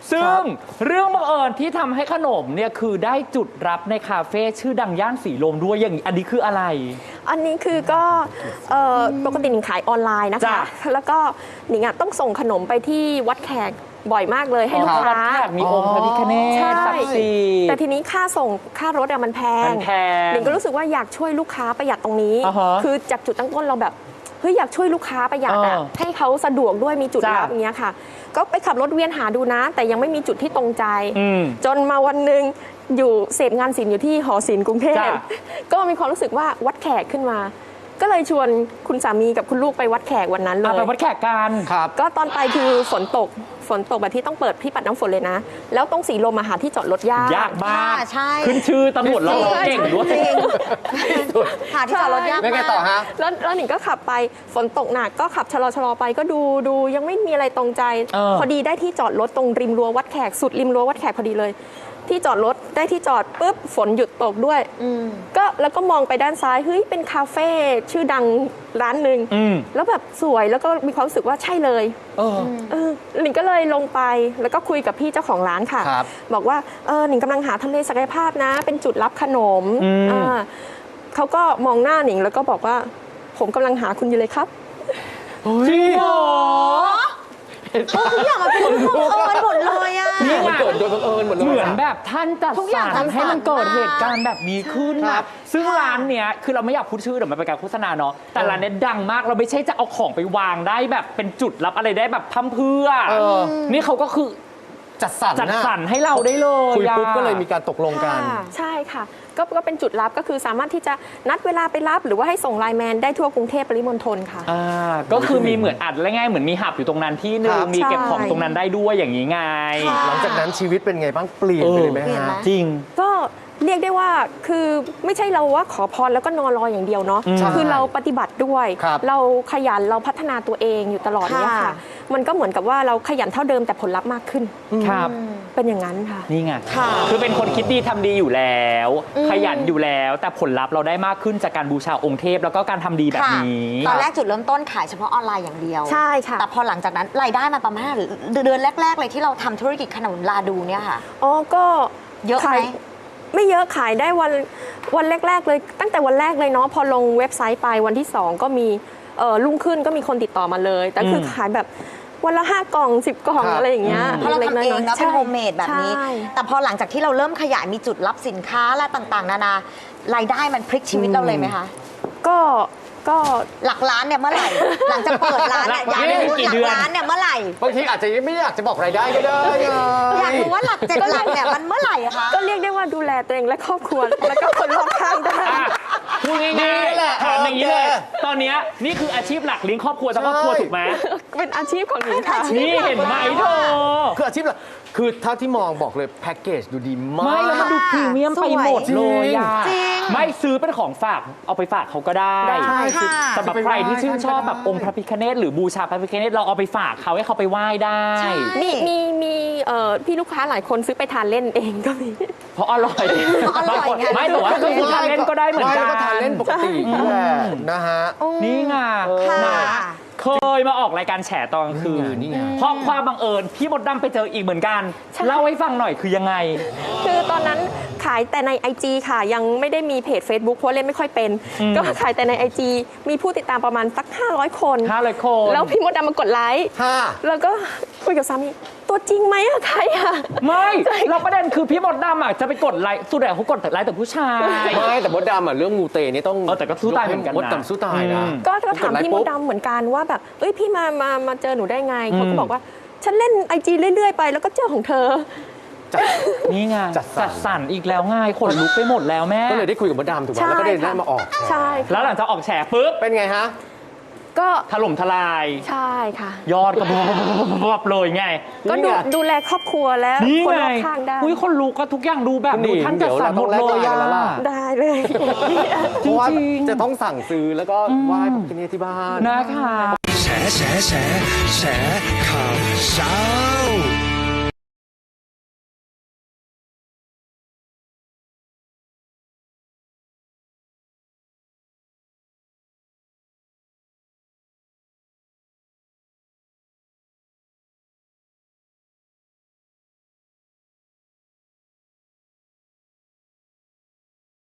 ซึ่งเรื่องบังเอิญที่ทำให้ขนมเนี่ยคือได้จุดรับในคาเฟ่ชื่อดังย่านสีลมด้วยอย่างนี้อันนี้คืออะไรอันนี้คือก็ปกติหนิงขายออนไลน์นะคะแล้วก็หนิงต้องส่งขนมไปที่วัดแขกบ่อยมากเลยให้ลูกค้ามีองค์พระพิฆเนศศักดิ์สิทธิ์แต่ทีนี้ค่าส่งค่ารถมันแพงหนิงก็รู้สึกว่าอยากช่วยลูกค้าประหยัดตรงนี้คือจากจุดตั้งต้นเราแบบเฮ้ยอยากช่วยลูกค้าประหยัดให้เขาสะดวกด้วยมีจุดรับอย่างเงี้ยค่ะก็ไปขับรถเวียนหาดูนะแต่ยังไม่มีจุดที่ตรงใจจนมาวันหนึ่งอยู่เสพงานศิลป์อยู่ที่หอศิลป์กรุงเทพก็มีความรู้สึกว่าวัดแขกขึ้นมาก็เลยชวนคุณสามีกับคุณลูกไปวัดแขกวันนั้นเลยไปวัดแขกกันครับก็ตอนไปคือฝนตกแบบที่ต้องเปิดที่ปัดน้ำฝนเลยนะแล้วตรงสีลมหาที่จอดรถยากมากขึ้นชื่อตำรวจเราเก่งด้วยหาที่จอดรถยากมากไม่ไงต่อฮะแล้วหนิงก็ขับไปฝนตกหนักก็ขับชะลอไปก็ดูยังไม่มีอะไรตรงใจพอดีได้ที่จอดรถตรงริมรั้ววัดแขกสุดริมรั้ววัดแขกพอดีเลยที่จอดรถได้ที่จอดปุ๊บฝนหยุดตกด้วยก็แล้วก็มองไปด้านซ้ายเฮ้ยเป็นคาเฟ่ชื่อดังร้านหนึ่งแล้วแบบสวยแล้วก็มีความรู้สึกว่าใช่เลยหนิงก็เลยลงไปแล้วก็คุยกับพี่เจ้าของร้านค่ะบอกว่าหนิงกำลังหาทำเลศักยภาพนะเป็นจุดรับขนมเขาก็มองหน้าหนิงแล้วก็บอกว่าผมกำลังหาคุณอยู่เลยครับจริงเหรอทุกอย่างมันเป็นเรื่องบังเอิญหมดเลยอ่ะนี่มันเกิดโดยบังเอิญหมดเลยเหมือนแบบท่านจัดสรรให้มันเกิดเหตุการณ์แบบนี้ขึ้นนะซึ่งร้านเนี้ยคือเราไม่อยากพูดชื่อเดี๋ยวมันเป็นการโฆษณาเนาะแต่ร้านเนี้ยดังมากเราไม่ใช่จะเอาของไปวางได้แบบเป็นจุดรับอะไรได้แบบพั่มเพื่อนี่เขาก็คือจัดสรรให้เราได้เลยคุยปุ๊บก็เลยมีการตกลงกันใช่ค่ะก็เป็นจุดรับก็คือสามารถที่จะนัดเวลาไปรับหรือว่าให้ส่งไลน์แมนได้ทั่วกรุงเทพปริมณฑลค่ะก็คือมีเหมือนอัดและง่ายเหมือนมีหับอยู่ตรงนั้นที่นึงมีเก็บของตรงนั้นได้ด้วยอย่างนี้ไงหลังจากนั้นชีวิตเป็นไงบ้างเปลี่ยนไปเลยไหมฮะจริงก็เรียกได้ว่าคือไม่ใช่เราว่าขอพรแล้วก็นอนรออย่างเดียวเนาะคือเราปฏิบัติด้วยเราขยันเราพัฒนาตัวเองอยู่ตลอดเนี่ยค่ะมันก็เหมือนกับว่าเราขยันเท่าเดิมแต่ผลลัพธ์มากขึ้นครับเป็นอย่างนั้นค่ะนี่ไงคือเป็นคนคิดดีทำดีอยู่แล้วขยันอยู่แล้วแต่ผลลัพธ์เราได้มากขึ้นจากการบูชาองค์เทพแล้วก็การทำดีแบบนี้ตอนแรกจุดเริ่มต้นขายเฉพาะออนไลน์อย่างเดียวใช่ค่ะแต่พอหลังจากนั้นรายได้มาประมาณเดือนแรกๆเลยที่เราทำธุรกิจขนมลาดูเนี่ยค่ะก็เยอะไหมไม่เยอะขายได้วันแรกๆเลยตั้งแต่วันแรกเลยเนาะพอลงเว็บไซต์ไปวันที่2ก็มีรุ่งขึ้นก็มีคนติดต่อมาเลยแต่คือขายแบบวันละ5 กล่อง10 กล่องอะไรอย่างเงี้ยเพราะเราทำเองนะเป็นโฮมเมดแบบนี้แต่พอหลังจากที่เราเริ่มขยายมีจุดรับสินค้าและต่างๆนานารายได้มันพลิกชีวิตเราเลยไหมคะก็หลักล้านเนี่ยเมื่อไหร่หลังจากเปิดร้านเนี่ยอยากรู้หลักล้านเนี่ยเมื่อไหร่บางทีอาจจะไม่อยากจะบอกรายได้ก็ได้อยากรู้ว่าหลัก7 หลักเนี่ยมันเมื่อไหร่คะก็เรียกได้ว่าดูแลตัวเองและครอบครัวแล้วก็คนรอบข้างได้พูดง่ายๆถามอย่างนี้เลยตอนนี้นี่คืออาชีพหลักเลี้ยงครอบครัวทั้งครอบครัวถูกไหมเป็นอาชีพของหนูค่ะนี่เห็นไหมเธอคืออาชีพหลักคือเท่าที่มองบอกเลยแพ็กเกจดูดีมากไม่แล้วมันดูพรีเมียมไปหมดเลยไม่ซื้อเป็นของฝากเอาไปฝากเขาก็ได้สำหรับใครที่ชื่นชอบแบบองค์พระพิฆเนศหรือบูชาพระพิฆเนศเราเอาไปฝากเขาให้เขาไปไหว้ได้มีพี่ลูกค้าหลายคนซื้อไปทานเล่นเองก็มีเพราะอร่อยไม่แต่ว่าก็คือทานเล่นก็ได้เหมือนกันทานเล่นปกตินะฮะนี่ไงเคยมาออกรายการแฉตอนกลางคืนเพราะความบังเอิญพี่มดดำไปเจออีกเหมือนกันเล่าให้ฟังหน่อยคือยังไงคือตอนนั้นขายแต่ใน IG ค่ะยังไม่ได้มีเพจ Facebook เพราะเล่นไม่ค่อยเป็นก็ขายแต่ใน IG มีผู้ติดตามประมาณสัก500 คนแล้วพี่มดดำมากดไลค์แล้วก็คุยกับสามีตัวจริงไหมอะใครอะไม่เราประเด็นคือพี่มดดำอะจะไปกดไลค์สุดแต่เขากดไลค์แต่ผู้ชายไม่แต่มดดำอะเรื่องมูเตนี่ต้องแต่ก็สู้ตายเหมือนกันนะมดดำสู้ตายนะก็ถามพี่มดดำเหมือนกันว่าแบบพี่มาเจอหนูได้ไงเขาก็บอกว่าฉันเล่น IG เรื่อยๆไปแล้วก็เจอของเธอนี่ไงจัดสรรอีกแล้วง่ายขนลุกไปหมดแล้วแม่ก็เลยได้คุยกับมดดำถูกไหมแล้วก็ได้มาออกใช่แล้วหลังจากออกแฉปุ๊บเป็นไงฮะก็ถล่มทลายใช่ค่ะยอดก็บเลยไงก็ดูแลครอบครัวแล้วคนรอบข้างได้คนรู้ก็ทุกอย่างดูแบบดูท่านจัดสรรหมดเลยได้เลยเพราะว่าจะต้องสั่งซื้อแล้วก็ไหว้พระพิฆเนศที่บ้านนะคะแฉข่าวเช้า